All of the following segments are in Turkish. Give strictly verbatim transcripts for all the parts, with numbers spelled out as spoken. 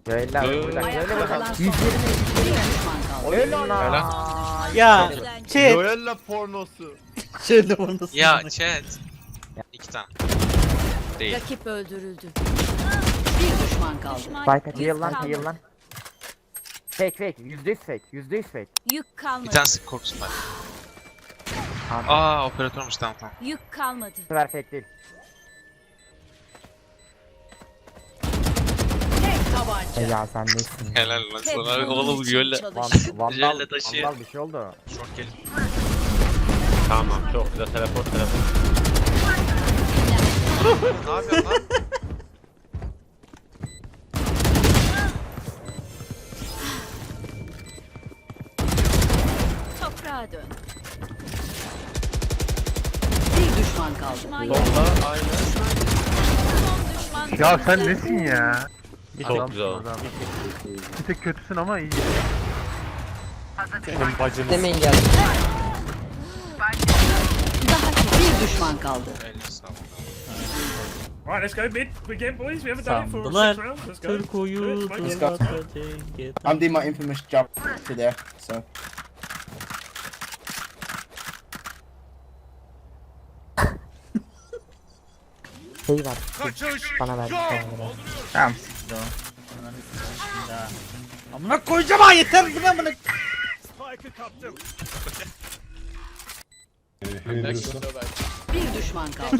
Böyle böyle Ayakta böyle kalan bak. son. Bir düşman kaldı. Öyle lan. Ya chat. Joella pornosu. Şöyle onu nasıl? Ya chat. İki tane. Değil. Rakip öldürüldü. Bir düşman kaldı. Spike heal lan heal lan. Fake fake yüzde yüz fake yüzde yüz fake. Yük kalmadı. Bir tanesi korkusun var. Tamam. Aa operatörmüş, tamam tamam. Yük kalmadı. Bu sefer fake değil. Tek tabanca. E ya sen nesin? Helal lan Tek sana. bunun Oğlum için gölle. Van, çalış. vandal, Yerle taşı. vandal bir şey oldu. Short gelin. Tamam çok güzel teleport teleport. Ne yapıyorsun lan? Toprağa dön. Bir düşman kaldı. Düşman yok. Solda aynı. Son düşman. Ya sen nesin ya? Çok güzel. Adam. Bir tek kötüsün ama iyi. Senin bacını. Demeyin geldi. Daha bir düşman kaldı. Eline sağlık. Alright, let's go mid again, boys. We haven't done it for Sandılar. six rounds. Let's go. Turkuyu Good, mate. turlatacak. I'm doing my infamous jump to there, so. Şey var. Bana ver. Bana ver. Tamam siktir o. Ananı sikeyim daha. Amına koyacağım ha, yeter bu ne amına. Bir düşman kaldı.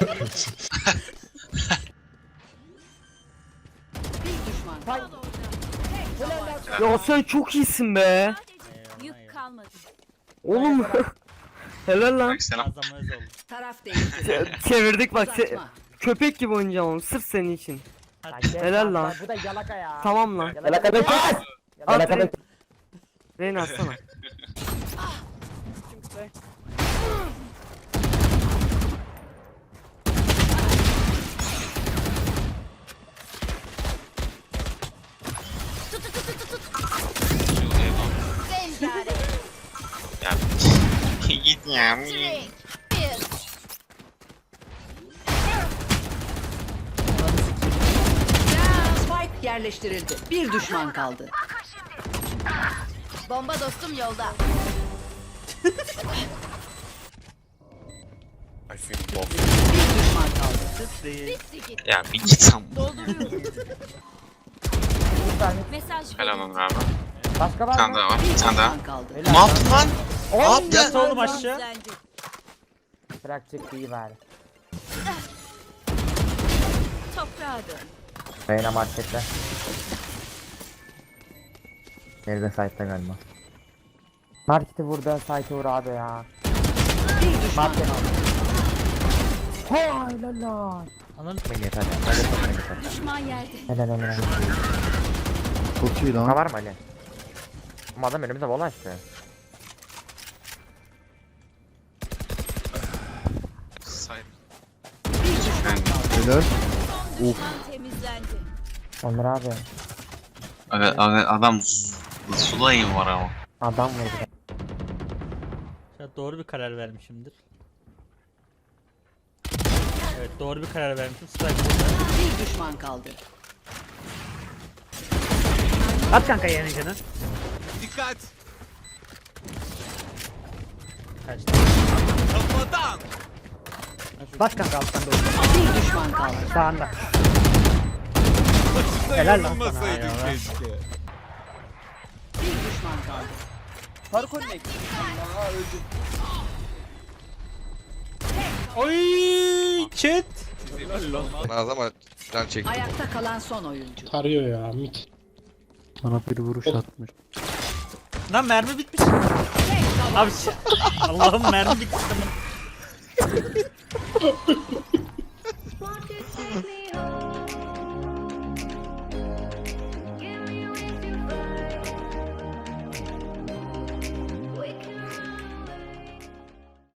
Bir düşman kaldı. Ya sen çok iyisin be. Yük kalmadı. Oğlum. Helal lan. Selam. Taraf değişti. Çevirdik bak. se- Uzatma. köpek gibi oynayacağım oğlum sırf senin için. Lan gel Helal lan. Bu da yalaka ya. Tamam lan. Yalaka bekle. At Yalaka Reyna. bekle. Reyna atsana. Ya git ya. Spike yerleştirildi. Bir düşman kaldı. Bomba dostum yolda. Bir düşman kaldı. Ya bir git sen. Mesaj Helal lan abi. Başka Bir var tane mı? daha var. Bir Bir tane daha. düşman kaldı. Ne yaptın lan? Ne yaptın? Yat oğlum aşağı. Bırak çıktı iyi bari. Toprağa dön. Reyna markette. Nerede site'da galiba. Marketi burada site'e vur abi ya. Bir düşman Market kaldı. Hay lala. Ananı Beni yeter. Hadi beni yeter. Düşman yerde. Helal helal. Çok iyi Ha var mı Ali? Ama adam önümüze bola açtı. Say. Bir düşman kaldı. Helal. Düşman temizlendi. Onur abi. Aga, aga, adam z- sulayım var ama. Adam vurdu. Ya doğru bir karar vermişimdir. Evet doğru bir karar vermişim. Strike burada. Bir düşman kaldı. At kanka yerini canı. Dikkat. Kaçtı. Bas kanka alttan doğru. Bir düşman kaldı. Sağında. Helal lan sana. Olmasaydı Eyvallah. keşke. Bir düşman kaldı. Oy chat. Ama can çekti. Ayakta kalan son oyuncu. Tarıyor ya mit. Bana bir vuruş atmış. Lan mermi bitmiş. Abi ş- Allah'ım mermi bitmiş.